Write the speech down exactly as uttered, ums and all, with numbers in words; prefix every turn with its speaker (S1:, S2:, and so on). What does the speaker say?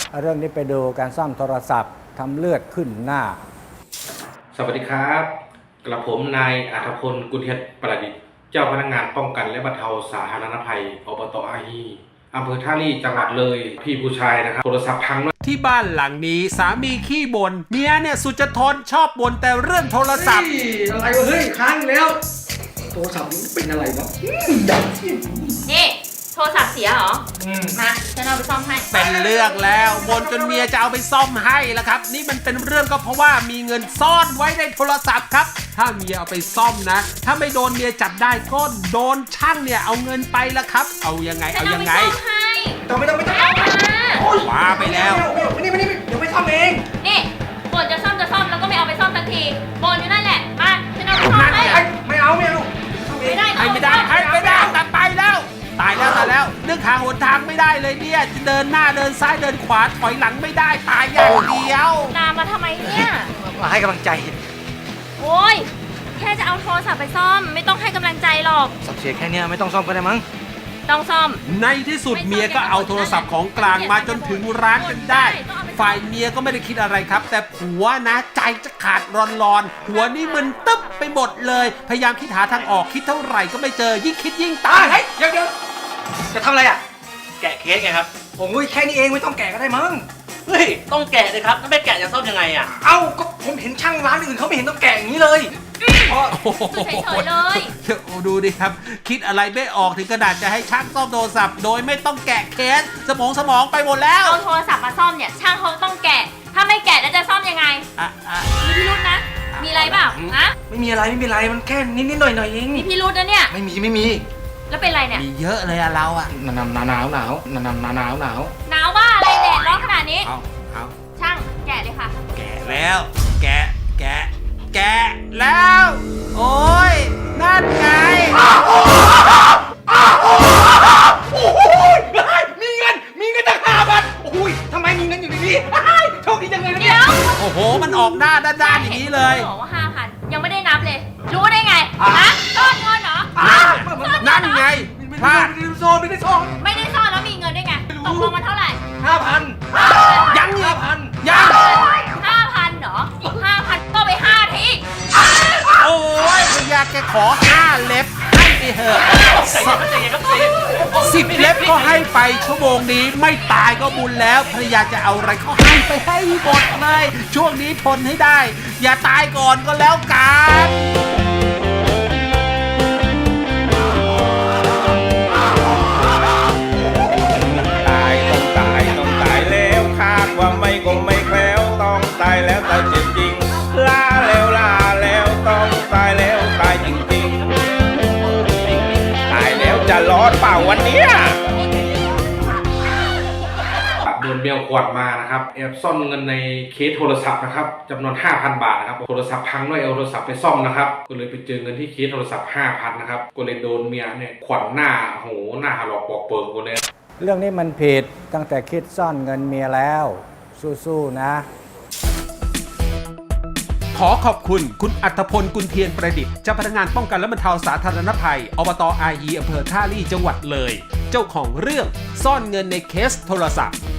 S1: เรื่องนี้ไปดูการซ่อมโทรศัพท์ทำเลือดขึ้นหน้า
S2: สวัสดีครับกระผมนายอัธพลกุลเทียนประดิษฐ์เจ้าพนักงานป้องกันและบรรเทาสาธารณภัยอบต.อาฮีอำเภอท่าลี่จังหวัดเลยพี่ผู้ชายนะครับโทรศัพท์พัง
S3: ที่บ้านหลังนี้สามีขี้บ่นเมียเนี่ยสุดจะทนชอบบ่นแต่เรื่องโทรศัพท์
S4: อะไรวะเฮ้ยค้างแล้วโทรศัพท์นี้เป็นอะไรวะ
S5: นี่โทรศัพท์เสียเหรอมาฉันเอาไปซ่อมให้
S3: เป็นเรื่องแล้วบ่นจนเมียจะเอาไปซ่อมให้แล้วครับนี่มันเป็นเรื่องก็เพราะว่ามีเงินซ่อนไว้ในโทรศัพท์ครับถ้าเมียเอาไปซ่อมนะถ้าไม่โดนเมียจับได้ก็โดนช่างเนี่ยเอาเงินไปละครับเอายังไงเอายังไง
S4: ต้องไม่ต้องไม่ต้อง
S3: ว้าไปแล้ว
S4: ไม่นี่ไม่นี่เดี๋ยวไม่ซ่อมเอง
S5: นี่บ่นจะซ่อมจะซ่อมแล้วก็ไม่เอาไปซ่อมทันทีบ่นอยู่นั่นแหละมาฉันเอาไปซ่อมให้
S4: ไม่เอาไม่เอา
S5: ไม่ได้
S3: ให้ไม่ได้ให้ไม่ได้ตัดไปแล้วตายแล้วตายแล้วนึกหาหนทางไม่ได้เลยเนี่ยจะเดินหน้าเดินซ้ายเดินขวาถอยหลังไม่ได้ตายอย่างเดียว
S5: ตามมาทำไมเนี่ย
S4: มาให้กำลังใจ
S5: โอ้ยแค่จะเอาโทรศัพท์ไปซ่อมไม่ต้องให้กำลังใจหรอก
S4: สับเสียแค่นี้ไม่ต้องซ่อมก็ได้มั้ง
S5: ต้องซ่อม
S3: ในที่สุดเมียก็เอาโทรศัพท์ของกลางมาจนถึงร้านจนได้ฝ่ายเมียก็ไม่ได้คิดอะไรครับแต่ผัวนะใจจะขาดร้อนๆหัวนี่มึนตึ๊บไปหมดเลยพยายามคิดหาทางออกคิดเท่าไหร่ก็ไม่เจอยิ่งคิดยิ่งตาย
S4: เฮ้ยเดี๋ยวเดี๋ยวจะทำอะไรอ่ะแกะเคสไงครับผมแค่นี้เองไม่ต้องแกะก็ได้มั้ง
S6: เฮ้ยต้องแกะเลยครับถ้าไม่แกะจะซ่อมยังไงอ่ะ
S4: เอ้าก็ผมเห็นช่างร้านอื่นเขาไม่เห็นต้องแกะอย่างนี้เลย
S5: เฉยๆเลย
S3: ดูดิครับคิดอะไรไม่ออกถึงกระดาษจะให้ช่างซ่อมโทรศัพท์โดยไม่ต้องแกะเคสสมองสมองไปหมดแล้ว
S5: เอาโทรศัพท์มาซ่อมเนี่ยช่างเขาต้องแกะถ้าไม่แกะแล้วจะซ่อมยังไงมีพิรุธนะมีอะไรเปล่าฮะ
S4: ไม่มีอะไรไม่มีอะไรมันแค่นิดๆหน่อยๆเอง
S5: มีพิรุธนะเนี่ย
S4: ไม่มีไม่มี
S5: แล้วเป็นไรเนี่ย
S3: มีเยอะเลยอะเราอะ
S4: หนาวหนาวหนาวหนาวหนาวหนาวหนาวหนาว
S5: หนาวบ้าอะไรแดดร้อนขนาดนี้
S3: เอาเอา
S5: ช่างแกะเลยค่ะ
S3: แกะแล้วแกะแกะแกะแล้วโอ้ยนั่นไง
S4: มีเงินมีเงินตั้งห้าพันโอ้ยทำไมมีเงินอยู่ในนี้โชคดีจังเลยนะเนี่ย
S3: โอ้โหมันออกหน้าด้านๆอย่างนี้เลย
S5: บอกว่าห้าพันยังไม่ได้นับเลยรู้ได้ไงฮะซ่อนเงินเหรอ
S3: นั่นไงพลาด
S4: ไม่ได้ซ่อนไม่ได้ซ่อน
S5: ไม่ได้ซ่อนแล้วมีเงินได้ไงตกลงมันเท่าไหร่
S4: ห้าพัน
S3: ยัง
S4: ห้าพัน
S3: ยัง
S5: ห้าพันเหรอห้าพันก็ไปห้าที
S3: โอ้ยอยากแกขอห้าเล็บให้ไปเถอะสิบเล็บก็ให้ไปชั่วโมงนี้ไม่ตายก็บุญแล้วภรรยาจะเอาอะไรก็ให้ไปให้หมดเลยช่วงนี้ทนให้ได้อย่าตายก่อนก็แล้วกัน
S7: ตายต้องตายต้องตายแล้วคาดว่าไม่คงไม่แคล้วต้องตายแล้วตายจริงๆลาแล้วลาแล้วต้องตายแล้วตายจริงๆตายแล้วจะรอดเปล่าวันนี้
S2: โดนเมียขวดมานะครับแอบซ่อนเงินในเคสโทรศัพท์นะครับจำนวน ห้าพัน บาทนะครับโทรศัพท์พังด้วยเอาโทรศัพท์ไปซ่อมนะครับก็เลยไปเจอเงินที่เคสโทรศัพท์ ห้าพัน นะครับก็เลยโดนเมียเนี่ยขวัญหน้าโหหน้าหลอกปอกเปิงกูเลย
S1: เรื่องนี้มันผิดตั้งแต่คิดซ่อนเงินเมียแล้วสู้ๆนะ
S3: ขอขอบคุณคุณอัธพลกุลเทียนประดิษฐ์เจ้าพนักงานป้องกันและบรรเทาสาธารณภัยอบต.อาฮีอำเภอท่าลี่จังหวัดเลยเจ้าของเรื่องซ่อนเงินในเคสโทรศัพท์